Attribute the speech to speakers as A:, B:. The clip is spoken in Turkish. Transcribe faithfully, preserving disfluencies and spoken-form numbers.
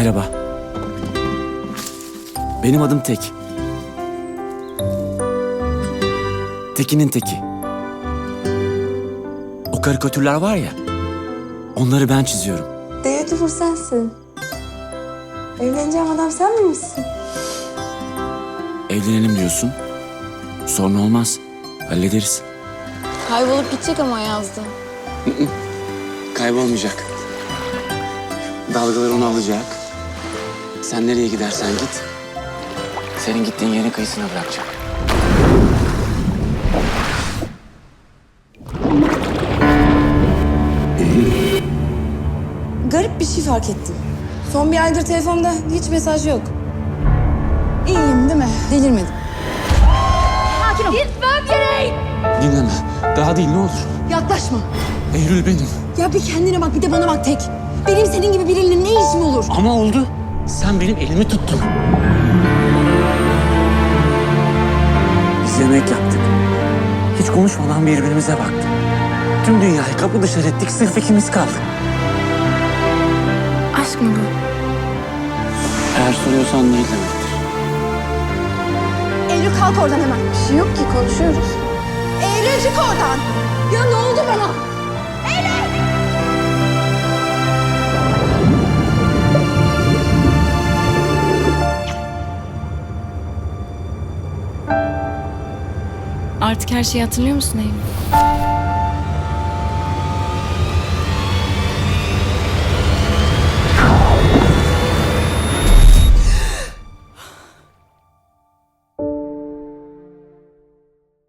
A: Merhaba. Benim adım Tek. Tekin'in teki. O karikatürler var ya, onları ben çiziyorum.
B: Beautiful sensin. Evleneceğim adam sen miymişsin?
A: Evlenelim diyorsun. Sorun olmaz. Hallederiz.
C: Kaybolup gidecek ama yazdı.
A: Kaybolmayacak. Dalgalar onu alacak. Sen nereye gidersen git. Senin gittiğin yerin kıyısına bırakacak.
B: Garip bir şey fark ettim. Son bir aydır telefonda hiç mesaj yok. İyiyim değil mi? Delirmedim.
C: Sakin ol. Gitmem gerek.
A: Dinleme. Daha değil ne olur.
B: Yaklaşma.
A: Eylül benim.
B: Ya bir kendine bak bir de bana bak Tek. Benim senin gibi biriyle ne işim olur?
A: Ama oldu. Sen benim elimi tuttun. Biz yemek yaptık. Hiç konuşmadan birbirimize baktık. Tüm dünyayı kapı dışarı ettik. Sırf ikimiz kaldık.
C: Aşk mı bu?
A: Eğer soruyorsan değil demektir.
B: Eylül kalk oradan hemen. Bir şey yok ki konuşuyoruz. Eylül çık oradan. Ya ne oldu bana?
C: Artık her şeyi hatırlıyor musun Eylül?